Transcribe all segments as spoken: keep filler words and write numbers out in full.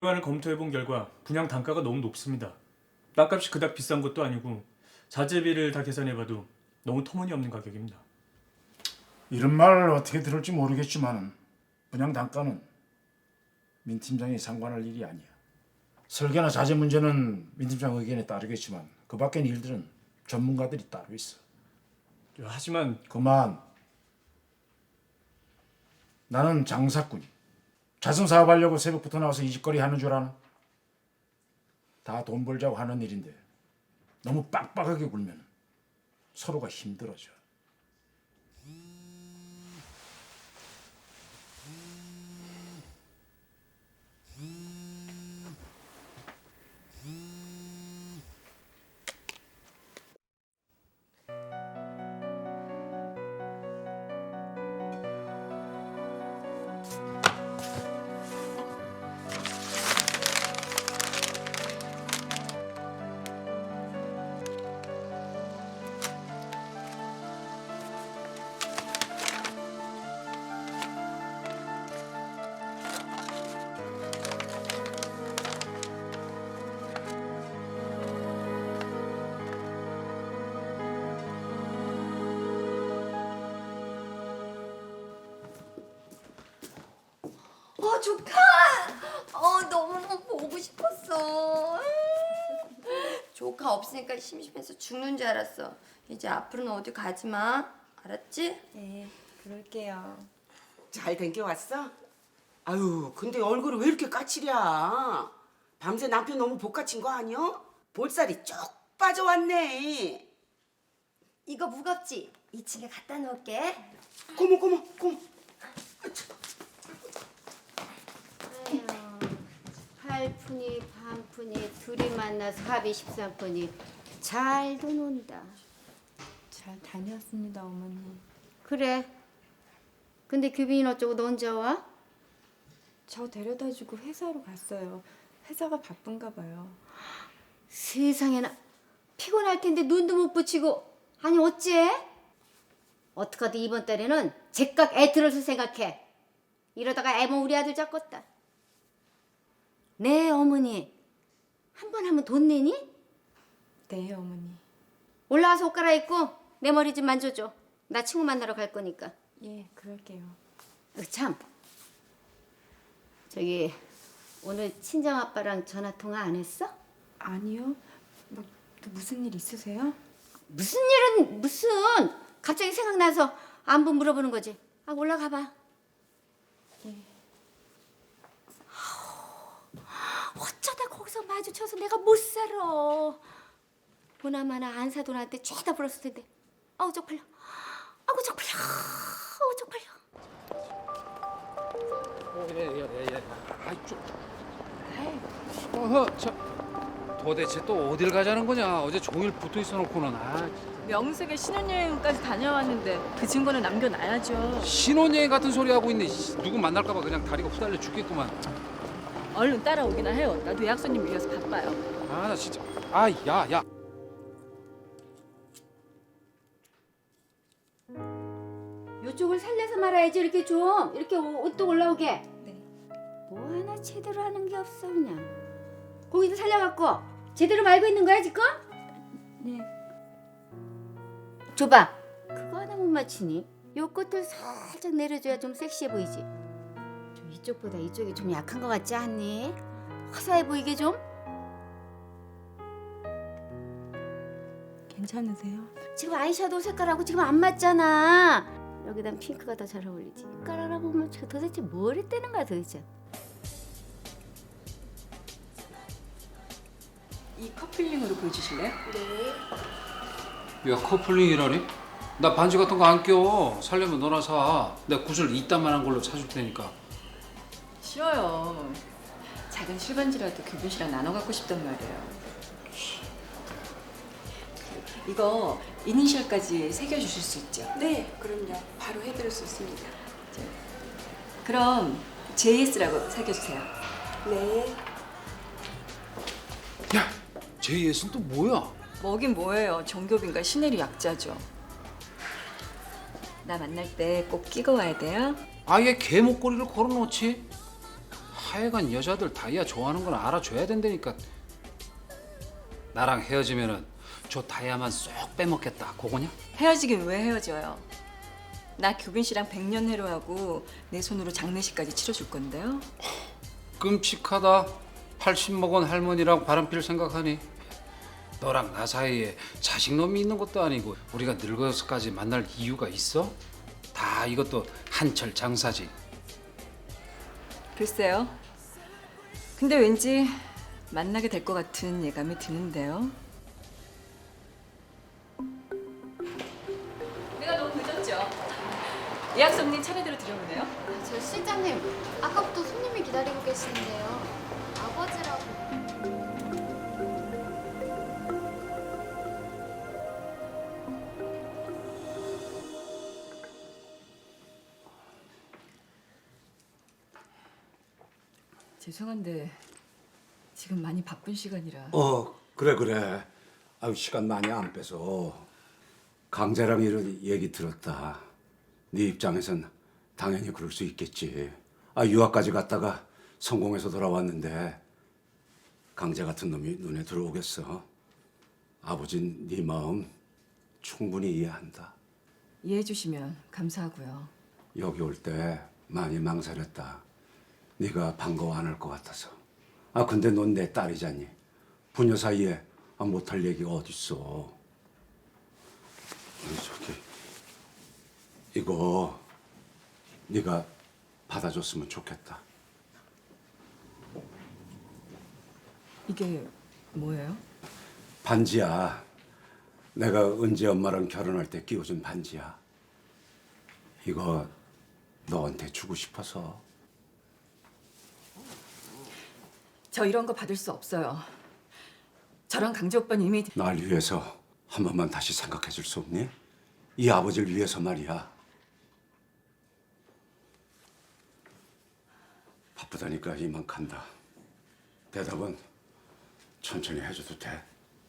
을 검토해본 결과 분양 단가가 너무 높습니다. 땅값이 그닥 비싼 것도 아니고 자재비를 다 계산해봐도 너무 터무니없는 가격입니다. 이런 말 어떻게 들을지 모르겠지만 분양 단가는 민 팀장이 상관할 일이 아니야. 설계나 자재 문제는 민 팀장 의견에 따르겠지만 그 밖의 일들은 전문가들이 따로 있어. 하지만 그만. 나는 장사꾼. 자선 사업하려고 새벽부터 나와서 이 짓거리 하는 줄 아나? 다 돈 벌자고 하는 일인데 너무 빡빡하게 굴면 서로가 힘들어져. 어, 조카! 어, 너무너무 보고 싶었어. 조카 없으니까 심심해서 죽는 줄 알았어. 이제 앞으로는 어디 가지 마. 알았지? 네, 그럴게요. 잘 댕겨왔어? 아유, 근데 얼굴이 왜 이렇게 까칠이야? 밤새 남편 너무 복가친 거 아니야? 볼살이 쭉 빠져왔네. 이거 무겁지? 이 층에 갖다 놓을게. 고모, 고모, 고모. 팔푼이 반푼이 둘이 만나서 합이 십삼 푼이 잘도 논다. 잘 다녀왔습니다, 어머니. 그래. 근데 규빈이 어쩌고 너 혼자 와? 저 데려다주고 회사로 갔어요. 회사가 바쁜가 봐요. 세상에나 피곤할 텐데 눈도 못 붙이고 아니 어째? 어떡하든 이번 달에는 제깍 애 들어서 생각해. 이러다가 애모 우리 아들 잡겄다. 네 어머니 한 번 하면 돈 내니? 네, 어머니. 올라와서 옷 갈아입고 내 머리 좀 만져줘. 나 친구 만나러 갈 거니까. 예, 그럴게요. 어, 참 저기 오늘 친정 아빠랑 전화 통화 안 했어? 아니요. 뭐, 또 무슨 일 있으세요? 무슨 일은 무슨 갑자기 생각나서 안부 물어보는 거지. 아 올라가 봐. 예. 어쩌다 거기서 마주쳐서 내가 못 살아. 보나마나 안사돈한테 죄다 불었을 텐데. 아우 쪽팔려. 아우 쪽팔려. 아우 쪽팔려. 예예예. 아이 좀. 어허 저 도대체 또 어딜 가자는 거냐? 어제 종일 붙어 있어 놓고는 아 명색에 신혼여행까지 다녀왔는데 그 증거는 남겨놔야죠. 신혼여행 같은 소리 하고 있네. 씨, 누구 만날까봐 그냥 다리가 후달려 죽겠구만. 얼른 따라오기나 해요. 나도 예약 손님 밀려서 바빠요. 아 나 진짜 아야 야. 요쪽을 살려서 말아야지. 이렇게 좀 이렇게 옷도 올라오게. 네. 뭐 하나 제대로 하는 게 없어 그냥. 거기도 살려갖고 제대로 말고 있는 거야 지금? 네. 줘봐. 그거 하나 못 맞히니? 요 끝을 살짝 내려줘야 좀 섹시해 보이지. 좀 이쪽보다 이쪽이 좀 약한 것 같지 않니? 화사해 보이게 좀. 괜찮으세요? 지금 아이섀도우 색깔하고 지금 안 맞잖아. 여기다 핑크가 더 잘 어울리지. 깔아라 보면 저 도대체 뭘 했다는 거야 도대체. 이 커플링으로 보여주실래요? 야 커플링이라니? 나 반지 같은 거 안 껴. 살려면 너나 사. 내가 구슬 이딴만한 걸로 사줄 테니까. 싫어요. 작은 실반지라도 규빈 씨랑 나눠 갖고 싶단 말이에요. 이거 이니셜까지 새겨주실 수 있죠? 네, 그럼요. 바로 해드릴 수 있습니다. 그럼 제이에스라고 새겨주세요. 네. 야 제이에스는 또 뭐야? 뭐긴 뭐예요. 정교빈과 신혜리 약자죠. 나 만날 때 꼭 끼고 와야 돼요. 아예 개 목걸이를 걸어놓지? 하여간 여자들 다이아 좋아하는 건 알아줘야 된다니까. 나랑 헤어지면은 저 다이아만 쏙 빼먹겠다. 그거냐? 헤어지긴 왜 헤어져요? 나 교빈 씨랑 백년 해로하고 내 손으로 장례식까지 치러줄 건데요. 끔찍하다. 팔십 먹은 할머니랑 바람필 생각하니. 너랑 나 사이에 자식놈이 있는 것도 아니고 우리가 늙어서까지 만날 이유가 있어? 다 이것도 한철 장사지. 글쎄요. 근데 왠지 만나게 될 것 같은 예감이 드는데요. 내가 너무 늦었죠? 예약 손님 차례대로 들어오네요. 저 실장님, 아까부터 손님이 기다리고 계시는데요. 아버지라고. 죄송한데 지금 많이 바쁜 시간이라. 어 그래 그래. 아유 시간 많이 안 빼서. 강재랑 이런 얘기 들었다. 네 입장에선 당연히 그럴 수 있겠지. 아 유학까지 갔다가 성공해서 돌아왔는데 강재 같은 놈이 눈에 들어오겠어. 아버진 네 마음 충분히 이해한다. 이해해 주시면 감사하고요. 여기 올 때 많이 망설였다. 네가 반가워 안 할 것 같아서. 아 근데 넌 내 딸이잖니. 부녀 사이에 아, 못할 얘기가 어딨어. 아니, 저기 이거 네가 받아줬으면 좋겠다. 이게 뭐예요? 반지야. 내가 은지 엄마랑 결혼할 때 끼워준 반지야. 이거 너한테 주고 싶어서. 저 이런 거 받을 수 없어요. 저랑 강재 오빠는 이미 날 위해서 한 번만 다시 생각해 줄 수 없니? 이 아버지를 위해서 말이야. 바쁘다니까 이만 간다. 대답은 천천히 해줘도 돼.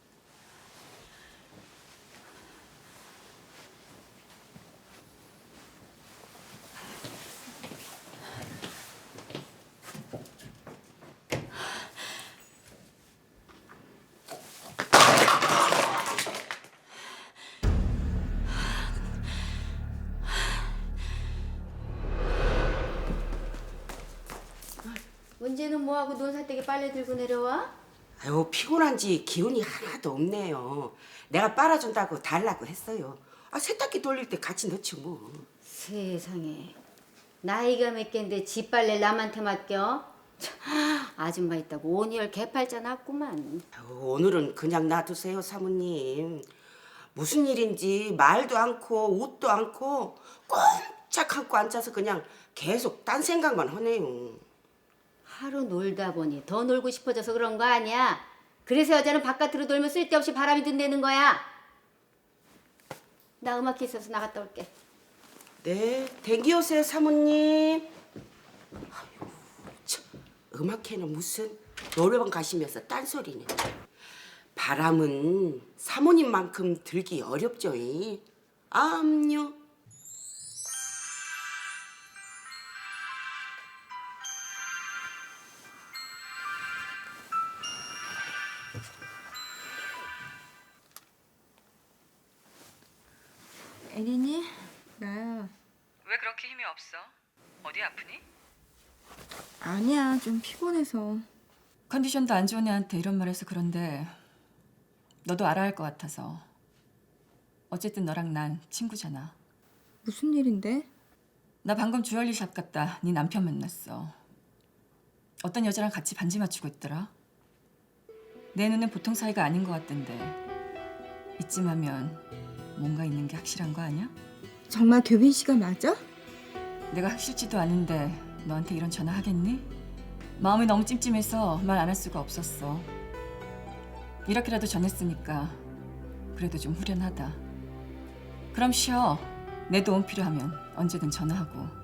문제는 뭐하고 논사대기 빨래 들고 내려와? 아유 피곤한지 기운이 하나도 없네요. 내가 빨아준다고 달라고 했어요. 아 세탁기 돌릴 때 같이 넣지 뭐. 세상에, 나이가 몇 갠데 집 빨래 남한테 맡겨? 참, 아줌마 있다고 온열 개팔자 났구만. 아유, 오늘은 그냥 놔두세요 사모님. 무슨 일인지 말도 않고 옷도 않고 꼼짝 않고 앉아서 그냥 계속 딴 생각만 하네요. 하루 놀다 보니 더 놀고 싶어져서 그런 거 아니야? 그래서 여자는 바깥으로 놀면 쓸데없이 바람이 든다는 거야. 나 음악회 있어서 나갔다 올게. 네, 대기 오세요 사모님. 아유, 참, 음악회는 무슨 노래방 가시면서 딴소리네. 바람은 사모님만큼 들기 어렵죠. 이. 암요. 에린이? 나야. 왜 그렇게 힘이 없어? 어디 아프니? 아니야, 좀 피곤해서. 컨디션도 안 좋은 애한테 이런 말 해서 그런데 너도 알아야 할 것 같아서. 어쨌든 너랑 난 친구잖아. 무슨 일인데? 나 방금 주얼리샵 갔다 네 남편 만났어. 어떤 여자랑 같이 반지 맞추고 있더라. 내 눈엔 보통 사이가 아닌 것 같던데 이쯤 하면 뭔가 있는 게 확실한 거 아니야? 정말 교빈 씨가 맞아? 내가 확실지도 않은데 너한테 이런 전화 하겠니? 마음이 너무 찜찜해서 말 안 할 수가 없었어. 이렇게라도 전했으니까 그래도 좀 후련하다. 그럼 쉬어. 내 도움 필요하면 언제든 전화하고.